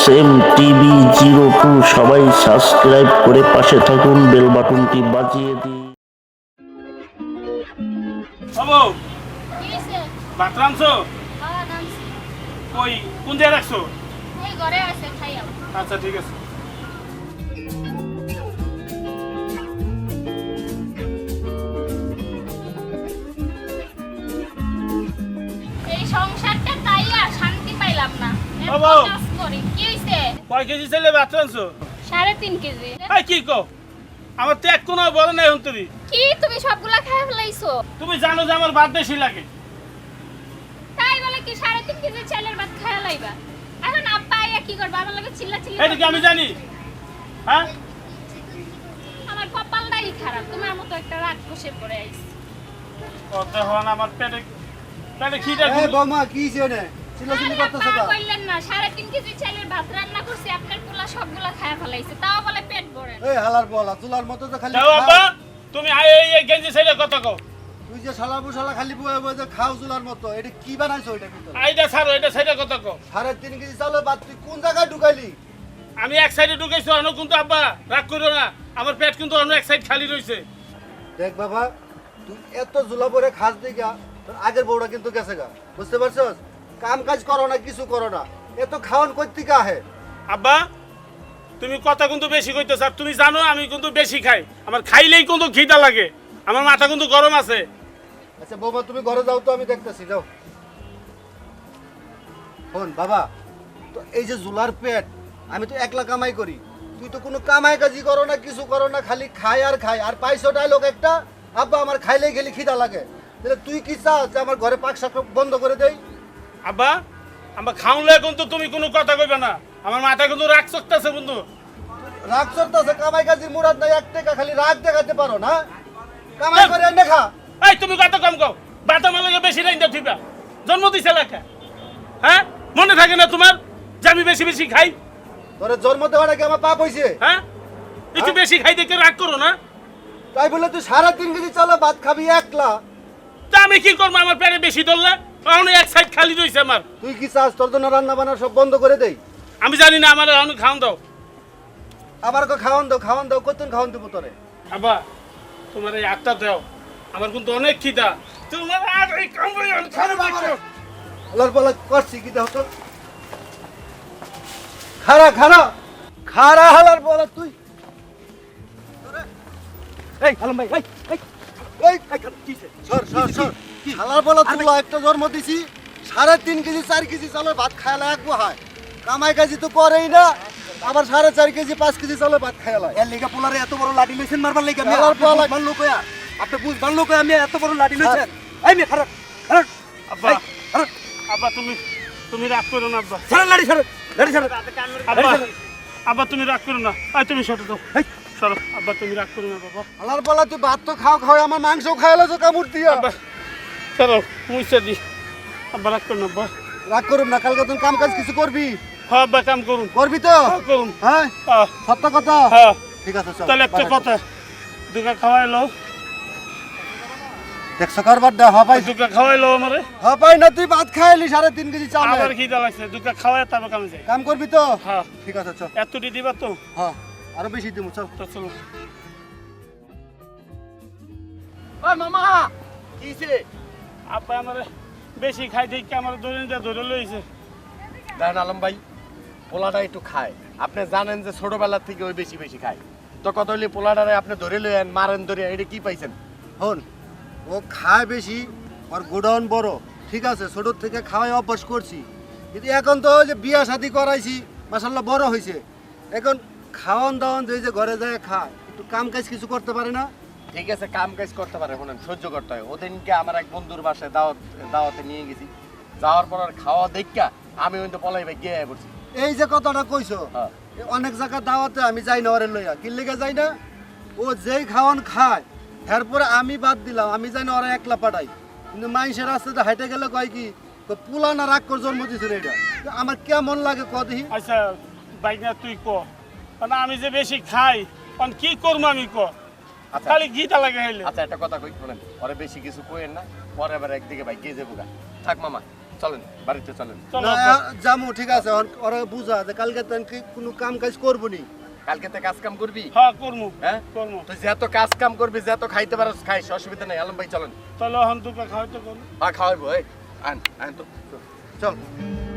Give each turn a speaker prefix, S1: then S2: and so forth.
S1: M TV 02 সবাই subscribe করে পাশে থাকুন, বেল বাটনটি বাজিয়ে দিন।
S2: বাবু
S3: কি হইছে?
S2: ভাত রাঁধছো?
S3: খাওয়া দামছি।
S2: কই কোন জায়গায় রাখছো?
S3: এই ঘরে আছে, খাইয়াও।
S2: আচ্ছা ঠিক আছে।
S3: এই সংসারটা তাই আর শান্তি পাইলাম না। এত
S2: বাবু!
S3: কাজ করি। কি হইছে?
S2: কয় কেজি ছেলে ভাত রাঁধছো?
S3: 3.5 কেজি।
S2: এই কি কও? আমার তো এক কোনো বড় নাই হন তুমি।
S3: কি তুমি সবগুলা খাই ফেলাইছো?
S2: তুমি জানো যে আমার ভাত বেশি লাগে।
S3: তাই বলে কি 3.5 কেজি চালের ভাত খাইয়া লাইবা? এখন আব্বা আইয়া কি করবা? আমার লগে চিল্লা
S2: এটা কি আমি জানি? হ্যাঁ?
S3: আমার কপালটাই খারাপ। তোমার মতো একটা রাগ কষে পড়ে আইছে।
S2: কত হন আমার পেটে খিদে
S4: এই বৌমা কি ছেনে চিল্লাচিল্লি করতেছ
S3: আরে
S4: কা?
S3: আব্বা কইলেন না 3.5 কেজি চালের ভাত রান্না করছি, আপনার পোলা সবগুলা খাইয়া ফেলাইছে। তাও বলে পেট ভরে না।
S4: এই হালার বলা চুলার মতো তো খালি
S2: যাও
S4: খাও।
S2: আব্বা, তুমি এই গেঞ্জি ছেলে কত কও?
S4: তুই যে শালা বুশালা খালি বয়ে বয়ে যে খাও চুলার মতো এটা কি বানাইছো এটা ভিতরে?
S2: এইটা ছাড়ো, এটা ছেলে কত কও?
S4: 3.5 কেজি চালের ভাত তুই কোন জায়গায় ঢুকাইলি?
S2: আমি এক সাইডে ঢুকেছি অন্য, কিন্তু আব্বা রাগ করো না, আমার পেট কিন্তু অন্য এক সাইড খালি রইছে।
S4: দেখ বাবা তুই এত জুলা পরে খাস দিগা তোর আগের বউটা কিন্তু গেছে গা, বুঝতে পারছস? কাম কাজ করো না, কিছু করো না, এত খাওয়ান কই থেকে আহে?
S2: আব্বা তুমি কথা কিন্তু বেশি কইতেছ, আর তুমি জানো আমি কিন্তু বেশি খাই, আমার খাইলেই কিন্তু খিদা লাগে, আমার মাথা কিন্তু গরম আছে।
S4: আচ্ছা বৌমা তুমি ঘরে যাও তো, আমি দেখতেছি, যাও। শোন বাবা, তো এই যে জুলার পেট, আমি তো একলা কামাই করি, তুই তো কোনো কামাই কাজি করো না, কিছু করো না, খালি খাই আর পাইছো ডায়লগ একটা, আব্বা আমার খাইলেই গেলি খিদা লাগে। তাহলে তুই কি চাস যে আমার ঘরে পাক শাক বন্ধ করে দেই?
S2: আব্বা আমার খাওনলে কিন্তু তুমি কোনো কথা কইবে না, আমার মাথা কিন্তু রাগ চকতেছে বন্ধু।
S4: রাগ চড়তেছে, কামাই কাজির মুরাদ নাই, এক টাকা খালি রাগ দেখাতে পারো না, কামাই করে এনে খা।
S2: এই তুমি কত কম কও, বাতা মালাকে বেশি নাই দা ঠিকা, জন্ম দিছে লেখা, হ্যাঁ মনে থাকে না তোমার যে আমি বেশি বেশি খাই?
S4: তোরে জন্ম দেওয়া নাকি আমার পাপ হয়েছে?
S2: হ্যাঁ একটু বেশি খাই দেখে রাগ করো না।
S4: তাই বলে তুই 3.5 কেজি চালে ভাত খাবি একলা?
S2: তা আমি কি করবো, আমার পেটে বেশি ধরলে কারণ এক সাইড খালি রয়েছে আমার।
S4: তুই কি চাস তোর জন্য রান্না বান্না সব বন্ধ করে দেই?
S2: আমি জানি না, আমার এখন খাওন দাও।
S4: আবার খাওয়ান দাও কতক্ষণ খাওয়ান দেবো তোরে?
S2: আব্বা তোমার এই আটটা দাও, আমার কিন্তু অনেক খিদা, তোমার আর এই কামড়ে খাবে দেখছো?
S4: আল্লাহর বলা করছি কি দাও তো, খারা হালার বলা তুই।
S5: এই আলম ভাই,
S4: এই সর হালার বলা তুলা একটা জন্ম দিছি, 3.5 কেজি 4 কেজি চালের ভাত খাইলা এক হয়, কামাই কাজি তো করেই না, আবার 4.5 কেজি 5 কেজি চালের ভাত খাইলা।
S5: এর লেগা পোলারে এত বড় লাঠি লইছেন মারবার লাগা? আমি
S4: আলার পালা।
S5: বুঝবার লোক হইয়া, আপনি বুঝবার লোক হইয়া আমি এত বড় লাঠি লইছেন? এই মে খারাপ খারাপ
S2: আব্বা আব্বা তুমি রাগ করো না আব্বা।
S5: ছাড়েন লাঠি, ছাড়েন লাঠি, ছাড়েন।
S2: আব্বা আব্বা তুমি রাগ করো না, আই তুমি সরো দাও, সরো আব্বা তুমি রাগ করো না বাবা।
S4: হালার বলা তুই ভাত তো খাও আমার মাংস খাইলা তো কামড় দিয়া।
S2: আব্বা সরো মুইসা দি, আব্বা রাগ করো না আব্বা।
S4: রাগ করুম না, কালকে তুই কাম কাজ কিছু করবি?
S2: হ্যাঁ আব্বা কাম করুন,
S4: করবি তো?
S2: করুন।
S4: হ্যাঁ
S2: হ্যাঁ
S4: সত্য কথা।
S2: হ্যাঁ
S4: ঠিক আছে চল।
S2: তাহলে একটা কথা, দুকা খাওয়াইলো,
S4: দেখছো কারবার দা হপাই
S2: দুকা খাওয়াইলো আমারে,
S4: না, তুই ভাত খাইলি 3.5 কেজি চাল।
S2: আমার খিদা লাগছে, দুকা খাওয়াই তারপর কামে যাই।
S4: কাম করবি তো?
S2: হ্যাঁ
S4: ঠিক আছে চল।
S2: এতটি দিবা তো?
S4: হ্যাঁ আরো বেশি দিমু চল।
S2: তো চলো।
S5: ওই মামা কিছে?
S2: আব্বা আমারে বেশি খাই দেখি আমার ধরে লইছে।
S5: দেখেন আলম ভাই, পোলাটা একটু খায়, আপনি জানেন যে ছোটবেলা থেকে ওই বেশি বেশি খায়, তো কত হইলে পোলাটারে আপনি ধরে লইয়েন, মারেন ধরে, এটা কি পাইছেন?
S4: হন ও খায় বেশি, আর গোডাউন বড়, ঠিক আছে, ছোট থেকে খাওয়াই অভ্যাস করছি, কিন্তু এখন তো ওই যে বিয়া শাদি করাইছি, মাশাআল্লাহ বড় হয়েছে, এখন খাওয়ান দাওয়ান যে ঘরে যায় খায়, একটু কাম কাজ কিছু করতে পারে না?
S5: ঠিক আছে কাম কাজ করতে পারে, শুনেন সহ্য করতে হয়। ওদিনকে আমার এক বন্ধুর বাসায় দাওয়াতে নিয়ে গেছি, যাওয়ার পর আর খাওয়া দেখা আমি কিন্তু পলাই ভাই গিয়ে পড়ছি।
S4: এই যে কথাটা কইছো,
S5: হ্যাঁ।
S4: অনেক জায়গা দাওয়াতে আমি যাই না ওরে লইয়া, কি লেগে যাই না, ও যেই খাওয়ান খায়, এরপরে আমি বাদ দিলাম, আমি যাই না ওরা একলা পাঠাই, কিন্তু মানুষের রাস্তাতে হাইটে গেলে কয় কি পুলা না রাগ করে জন্ম দিছিল, এটা তো আমার কেমন লাগে কদি।
S2: আচ্ছা বাইনা তুই ক, মানে আমি যে বেশি খাই কারণ কি করবো আমি ক,
S5: আচ্ছা
S2: খালি ঘিটা লাগে হইলে।
S5: আচ্ছা একটা কথা কই, শুনেন, ওরে বেশি কিছু কইেন না, পরে আবার একদিকে ভাই গিয়ে যাবো গা। থাক মামা, চলেন বাড়িতে চলেন।
S2: চলো
S4: না
S2: আব্বা।
S4: জামু ঠিক আছে ওরা বুঝা যে কালকে তো আমি কোনো কাম কাজ করবো নি।
S5: কালকে থেকে কাজ কাম করবি?
S2: হ্যাঁ করমু
S5: হ্যাঁ
S2: করমু।
S5: তুই যত কাজ কাম করবি, যত খাইতে পারস খাইস, অসুবিধা নেই। আলম ভাই চলেন।
S2: চলো হন দুপা খাওয়াইতে করুন।
S5: খাওয়াইবো। এই আন আন তো।
S4: চল